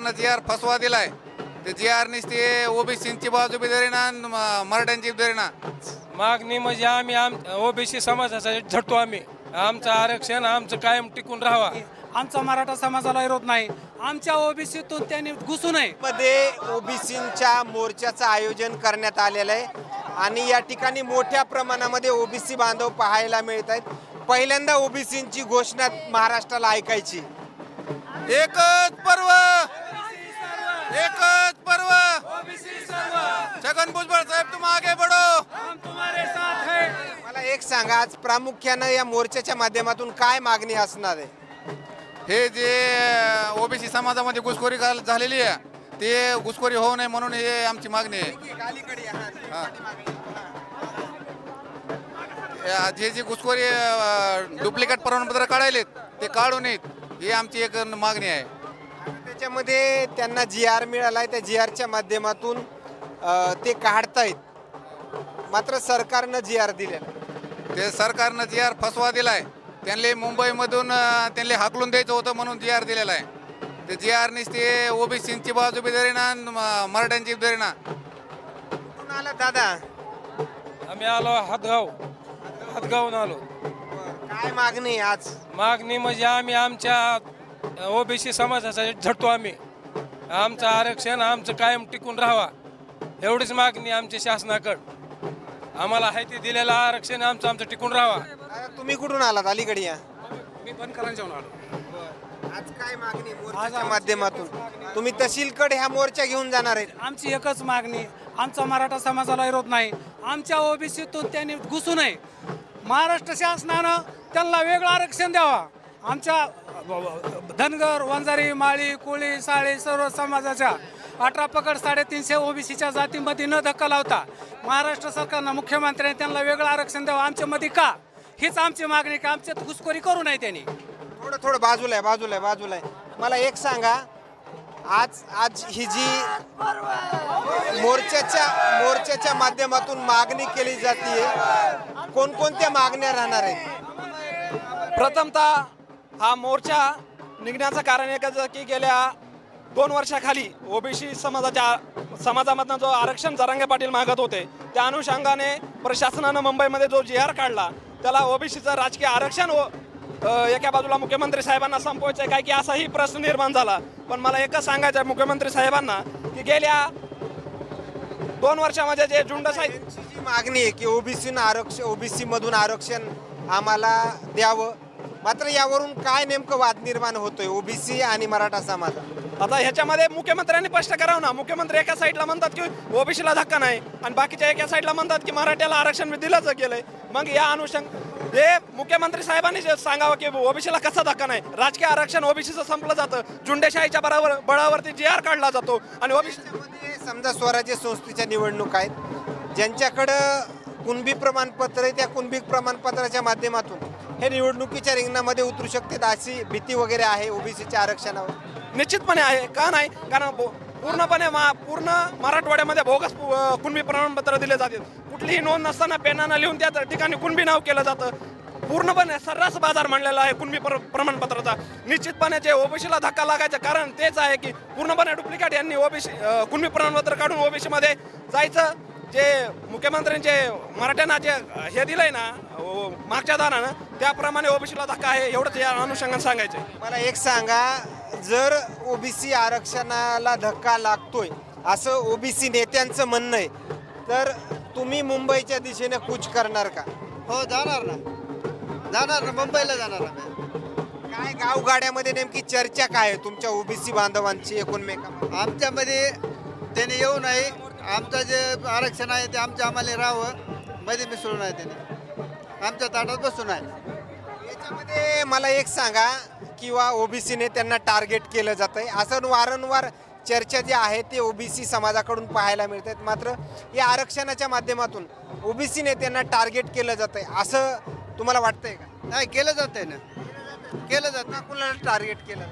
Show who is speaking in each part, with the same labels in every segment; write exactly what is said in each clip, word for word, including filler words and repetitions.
Speaker 1: सरकारनं जी आर फसवा दिलाय ते जी आर ते ओबीसीची बाजू बी धरेना आणि म- मराठ्यांची बी धरेना.
Speaker 2: मागणी म्हणजे आम्ही आम ओबीसी समाजाचा झटतो आम्ही. आमचं आरक्षण आमचं कायम टिकून राहावा.
Speaker 3: आमचा मराठा समाजाला विरोध नाही. आमच्या ओबीसीतून त्यांनी घुसू नये.
Speaker 4: मध्ये ओबीसींच्या मोर्चाचं आयोजन करण्यात आलेलं आहे आणि या ठिकाणी मोठ्या प्रमाणामध्ये ओबीसी बांधव पाहायला मिळत आहेत. पहिल्यांदा ओबीसींची घोषणा महाराष्ट्राला ऐकायची.
Speaker 1: एकच पर्व एकच पर्व छगन भुजबळ साहेब तुम आगे बढ़ो.
Speaker 4: मला एक सांगा, आज प्रामुख्यानं या मोर्चाच्या माध्यमातून काय मागणी असणार आहे?
Speaker 1: हे जे ओबीसी समाजामध्ये घुसखोरी घाल- झालेली आहे ते घुसखोरी होऊ नये म्हणून हे आमची मागणी आहे. हा. या जे जे घुसखोरी डुप्लिकेट प्रमाणपत्र काढायलेत ते काढू नयेत ही आमची एक मागणी आहे.
Speaker 4: त्याच्यामध्ये त्यांना जी आर मिळालाय, त्या जी आरच्या माध्यमातून अ, ते काढतायत, मात्र सरकारनं जी आर दिलेला.
Speaker 1: ते सरकारनं जी आर फसवा दिलाय. त्यांना मुंबईमधून अं, त्यांना हाकलून द्यायचं होतं म्हणून जी आर दिलेला आहे. ते जी आर ते ओबीसीची बाजू बी धरेना आणि म- मराठ्यांची बी धरेना.
Speaker 4: कुठून आला दादा?
Speaker 2: आम्ही आलो हातगाव हातगावून आलो.
Speaker 4: काय मागणी आहे आज?
Speaker 2: मागणी म्हणजे आम्ही आमच्या ओबीसी समाजाचा झटतो आम्ही. आमचं आरक्षण आमचं कायम टिकून राहावा एवढीच मागणी आमची शासनाकडं. आम्हाला आहे ते दिलेलं आरक्षण आमचं आमचं टिकून राहावा.
Speaker 4: दादा, तुम्ही कुठून आलात? अलीकडे या.
Speaker 3: मी बनकरांच्या आलो.
Speaker 4: आज काय मागणी मोर्चाच्या माध्यमातून? तुम्ही तहसीलकडे ह्या मोर्चा घेऊन जाणार आहेत.
Speaker 3: आमची एकच मागणी. आमचा मराठा समाजाला विरोध नाही. आमच्या ओबीसीतून त्यांनी घुसू नये. महाराष्ट्र शासनानं त्यांना वेगळं आरक्षण द्यावा. आमच्या धनगर, वंजारी, माळी, कोळी, साळी सर्व समाजाच्या अठरा पकड साडेतीनशे ओबीसीच्या जातीमध्ये न धक्का लावता महाराष्ट्र सरकारनं मुख्यमंत्र्यांनी त्यांना वेगळं आरक्षण द्यावं. आमच्यामध्ये का हीच आमची मागणी की आमच्यात घुसखोरी करू नये त्यांनी.
Speaker 4: थोडं थोडं बाजूला आहे, बाजूला आहे, बाजूला आहे. मला एक सांगा, आज आज ही जी मोर्चाच्या मोर्चाच्या माध्यमातून मागणी केली जाते, कोणकोणत्या मागण्या राहणार आहेत?
Speaker 5: प्रथमतः हा मोर्चा निघण्याचं कारण एकच की गेल्या दोन वर्षाखाली ओबीसी समाजाच्या समाजामधनं जो आरक्षण जरांगे पाटील मागत होते त्या अनुषंगाने प्रशासनानं मुंबईमध्ये जो जी आर काढला त्याला ओबीसीचं राजकीय आरक्षण व अ, एका बाजूला मुख्यमंत्री साहेबांना संपवायचं आहे काय की असाही प्रश्न निर्माण झाला. पण मला एकच सांगायचं आहे मुख्यमंत्री साहेबांना की गेल्या दोन वर्षामध्ये जे झुंडशाही
Speaker 4: जी मागणी आहे की ओबीसी आरक्षण ओबीसी मधून आरक्षण आम्हाला द्यावं, मात्र यावरून काय नेमकं वाद निर्माण होतोय ओबीसी आणि मराठा समाज?
Speaker 5: आता ह्याच्यामध्ये मुख्यमंत्र्यांनी स्पष्ट करावं ना. मुख्यमंत्री एका साईडला म्हणतात की ओबीसीला धक्का नाही आणि बाकीच्या एका साईडला म्हणतात की मराठ्याला आरक्षण दिलंच गेलंय. मग या अनुषंग हे मुख्यमंत्री साहेबांनी जे सांगावं की ओबीसीला कसा धक्का नाही. राजकीय आरक्षण ओबीसीचं संपलं जातं. झुंडेशाहीच्या बराबर बळावरती जी आर काढला जातो आणि ओबीसी
Speaker 4: समजा स्वराज्य संस्थेच्या निवडणूक आहेत, ज्यांच्याकडं कुणबी प्रमाणपत्र आहे त्या कुणबी प्रमाणपत्राच्या माध्यमातून हे निवडणुकीच्या रिंगणामध्ये उतरू शकतात अशी भीती वगैरे आहे ओबीसीच्या आरक्षणावर?
Speaker 5: निश्चितपणे आहे. का नाही? कारण बो- पूर्णपणे मा पूर्ण मराठवाड्यामध्ये बोगस पु- अ, कुणबी प्रमाणपत्र दिले जातात. कुठलीही नोंद नसताना पेनानं लिहून त्या ठिकाणी कुणबी नाव केलं जातं. पूर्णपणे सर्रास बाजार मांडलेला आहे कुणबी प्र प्रमाणपत्राचा. निश्चितपणे जे ओबीसीला धक्का लागायचं कारण तेच आहे की पूर्णपणे डुप्लिकेट यांनी ओबीसी कुणबी प्रमाणपत्र काढून ओबीसीमध्ये जायचं. जे मुख्यमंत्र्यांचे मराठ्यांना जे हे दिलंय ना ओ, मागच्या दारानं त्याप्रमाणे ओबीसीला धक्का आहे एवढंच या अनुषंगाने सांगायचं आहे.
Speaker 4: मला एक सांगा, जर ओबीसी आरक्षणाला धक्का लागतोय असं ओबीसी नेत्यांचं म्हणणं आहे, तर तुम्ही मुंबईच्या दिशेने कूच करणार का?
Speaker 6: हो जाणार ना, जाणार ना, मुंबईला जाणार ना.
Speaker 4: काय गावगाड्यामध्ये नेमकी चर्चा काय आहे तुमच्या ओबीसी बांधवांची एकूणमेकांमध्ये?
Speaker 6: आमच्यामध्ये त्याने येऊ नये. आमचं जे आरक्षण आहे ते आमच्या आम्हाला राहावं, मध्ये मिसळू नये, त्याने आमच्या ताटात बसू नये.
Speaker 4: याच्यामध्ये मला एक सांगा, किंवा ओबीसीने त्यांना टार्गेट केलं जात आहे असं वारंवार चर्चा जी आहे ते ओबीसी समाजाकडून पाहायला मिळत आहेत. मात्र या आरक्षणाच्या माध्यमातून ओबीसी नेत्यांना टार्गेट केलं जात आहे असं तुम्हाला वाटतंय का?
Speaker 6: नाही केलं जातंय ना, केलं जातं.
Speaker 4: कुणाला टार्गेट केलं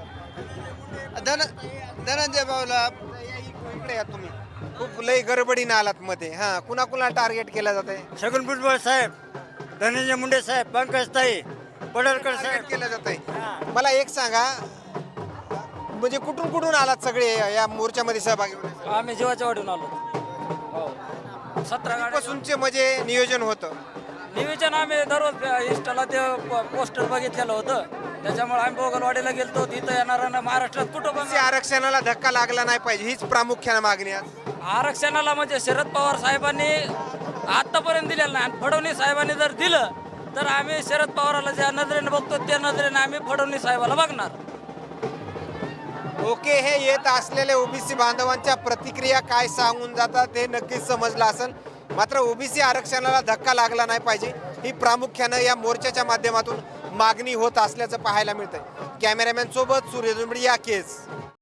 Speaker 4: जातं?
Speaker 6: धन धनंजय भाऊला.
Speaker 4: इकडे या तुम्ही, खूप लय गडबडीनं आलात मध्ये. हा, कुणा कुणाला टार्गेट केलं जात आहे?
Speaker 7: छगन भुजबळ साहेब, धनंजय मुंडे साहेब, पंकज ताई, पडळकर साहेब
Speaker 4: केलं जात आहे. मला एक सांगा, म्हणजे कुठून कुठून आलात सगळे या मोर्चामध्ये सहभागी होण्यासाठी?
Speaker 8: आम्ही जीवाच्या वाढून आलो हो सतरा गाड्या
Speaker 4: पासूनचे म्हणजे नियोजन होतं.
Speaker 8: नियोजन आम्ही दररोज इंस्टाला ते प- पोस्टर बघितलेलं होतं त्याच्यामुळे आम्ही बोगलवाडीला गेलतो तिथं येणाऱ्या महाराष्ट्रात कुठं पण
Speaker 4: ओबीसी आरक्षणाला धक्का लागला नाही पाहिजे हीच प्रामुख्याने मागणी आहे.
Speaker 8: आरक्षणाला म्हणजे शरद पवार साहेबांनी आतापर्यंत दिलेलं नाही आणि फडणवीस साहेबांनी जर दिलं तर आम्ही शरद पवाराला ज्या नजरेने बघतो त्या नजरेने आम्ही फडणवीस साहेबाला बघणार.
Speaker 4: ओके, हे येत असलेले ओबीसी बांधवांच्या प्रतिक्रिया काय सांगून जातात हे नक्कीच समजलं असेल. मात्र ओबीसी आरक्षणाला धक्का लागला नाही पाहिजे ही प्रामुख्यानं या मोर्चाच्या माध्यमातून मागणी होत असल्याचं पाहायला मिळतंय. कॅमेरामॅन सोबत सूर्य दुंबडी या केस.